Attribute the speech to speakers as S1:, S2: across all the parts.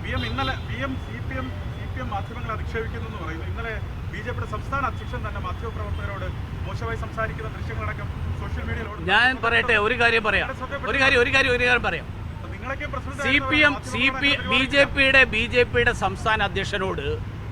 S1: ഇന്നലെ CPM മാധ്യമങ്ങളെ അധിക്ഷേപിക്കുന്നു പറയുന്നു. ഇന്നലെ BJPയുടെ സംസ്ഥാന അധ്യക്ഷൻ തന്നെ മാധ്യമപ്രവർത്തകരോട് മോശമായി സംസാരിക്കുന്ന ദൃശ്യങ്ങളടക്കം സോഷ്യൽ മീഡിയയിലൂടെ.
S2: ഞാൻ പറയട്ടെ, ഒരു കാര്യം പറയാം. BJPയുടെ സംസ്ഥാന അധ്യക്ഷനോട്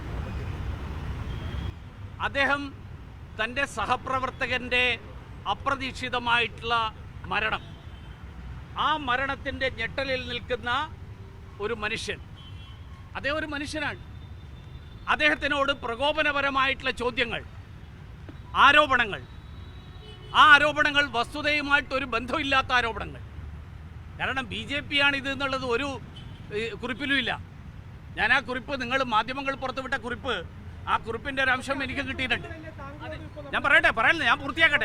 S2: അദ്ദേഹം തൻ്റെ സഹപ്രവർത്തകൻ്റെ അപ്രതീക്ഷിതമായിട്ടുള്ള മരണം, ആ മരണത്തിൻ്റെ ഞെട്ടലിൽ നിൽക്കുന്ന ഒരു മനുഷ്യൻ, അദ്ദേഹം ഒരു മനുഷ്യനാണ്. അദ്ദേഹത്തിനോട് പ്രകോപനപരമായിട്ടുള്ള ചോദ്യങ്ങൾ, ആരോപണങ്ങൾ, ആ ആരോപണങ്ങൾ വസ്തുതയുമായിട്ടൊരു ബന്ധമില്ലാത്ത ആരോപണങ്ങൾ. കാരണം BJP ആണ് ഇത് എന്നുള്ളത് ഒരു കുറിപ്പിലുമില്ല. ഞാൻ ആ കുറിപ്പ്, നിങ്ങൾ മാധ്യമങ്ങൾ പുറത്തുവിട്ട കുറിപ്പ്, ആ കുറിപ്പിൻ്റെ ഒരു അംശം എനിക്ക് കിട്ടിയിട്ടുണ്ട്. ഞാൻ പറയല്ലേ, ഞാൻ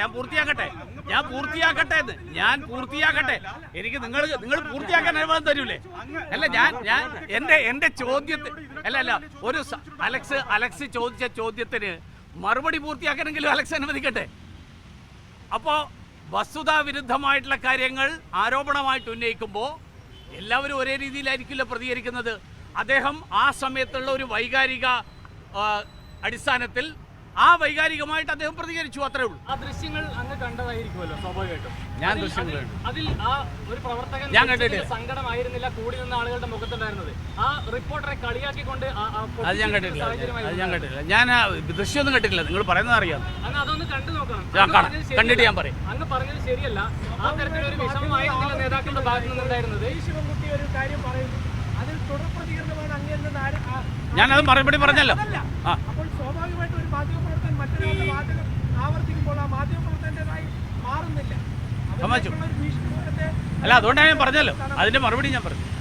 S2: പൂർത്തിയാക്കട്ടെ. എനിക്ക് നിങ്ങൾ പൂർത്തിയാക്കാൻ അനുവാദം തരൂലേ? അല്ല, എൻ്റെ ചോദ്യത്തിന് ഒരു അലക്സ് ചോദിച്ച ചോദ്യത്തിന് മറുപടി പൂർത്തിയാക്കണമെങ്കിലും അലക്സ് അനുവദിക്കട്ടെ. അപ്പോൾ വസ്തുതാവിരുദ്ധമായിട്ടുള്ള കാര്യങ്ങൾ ആരോപണമായിട്ട് ഉന്നയിക്കുമ്പോൾ എല്ലാവരും ഒരേ രീതിയിലായിരിക്കില്ല പ്രതികരിക്കുന്നത്. അദ്ദേഹം ആ സമയത്തുള്ള ഒരു വൈകാരിക അടിസ്ഥാനത്തിൽ ആ വൈകാരികമായിട്ട് അദ്ദേഹം പ്രതികരിച്ചു, അത്രേ ഉള്ളൂ.
S3: ആ ദൃശ്യങ്ങൾ അങ്ങ് കണ്ടതായിരിക്കുമല്ലോ സ്വാഭാവികമായിട്ടും.
S2: ഞാൻ ദൃശ്യങ്ങൾ
S3: അതിൽ ആ ഒരു പ്രവർത്തകൻ
S2: ഞാൻ കണ്ടിട്ടില്ല.
S3: സങ്കടമായിരുന്നില്ല കൂടി നിന്ന ആളുകളുടെ മുഖത്തുണ്ടായിരുന്നത്. ആ റിപ്പോർട്ടറെ കളിയാക്കിക്കൊണ്ട്
S2: അത് ഞാൻ കണ്ടിട്ടില്ല. ഞാൻ ദൃശ്യമൊന്നും കണ്ടിട്ടില്ല. നിങ്ങൾ പറയുന്നത് അറിയാം.
S3: അങ്ങ് അതൊന്ന് കണ്ടു നോക്കണം.
S2: കണ്ടിട്ട് ഞാൻ പറയും.
S3: അങ്ങ് പറഞ്ഞത് ശരിയല്ല. ആ തരത്തിലൊരു വിഷമമായിരുന്നില്ല നേതാക്കളുടെ ഭാഗത്തു നിന്നുണ്ടായിരുന്നത്.
S4: ശിവൻകുട്ടി ഒരു കാര്യം പറയുന്നു, അതിൽ തുടർ പ്രതികരണമാണ് അങ്ങ്.
S2: ഞാനത് മറുപടി പറഞ്ഞല്ലോ.
S4: അപ്പോൾ സ്വാഭാവികമായിട്ടും ഒരു മാധ്യമപ്രവർത്തകൻ മറ്റൊരാളുടെ വാചകം ആവർത്തിക്കുമ്പോൾ ആ മാധ്യമപ്രവർത്തകൻ്റെതായി മാറുന്നില്ല.
S2: അല്ല, അതുകൊണ്ടാണ് ഞാൻ പറഞ്ഞല്ലോ, അതിന്റെ മറുപടി ഞാൻ പറഞ്ഞു.